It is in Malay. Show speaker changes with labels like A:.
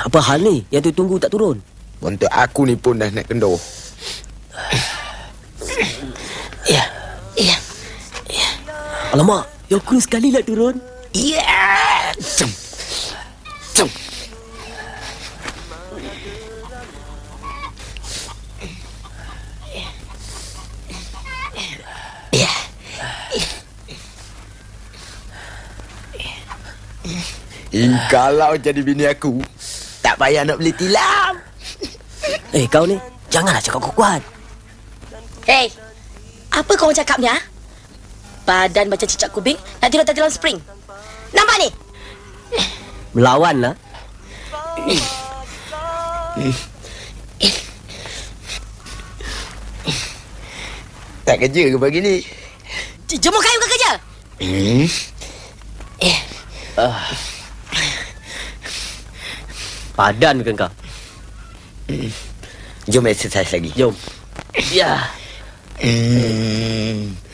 A: Apa hal ni yang tu tunggu tak turun?
B: Untuk aku ni pun dah nak kendor.
C: Ya.
A: Alamak, yang cool sekali lah turun.
B: Ya. Jom. Kalau jadi bini aku, tak payah nak beli tilam.
A: Kau ni, janganlah cakap kuat.
C: Hei, apa kau cakap ni, ha? Badan macam cicak kubing, nak tidur dalam spring. Nampak ni?
A: Melawan lah.
B: Tak kerja ke pagi ni?
C: Jemur kayu ke kerja?
A: Padan ke kau?
B: Jom exercise lagi.
A: Jom. Ya.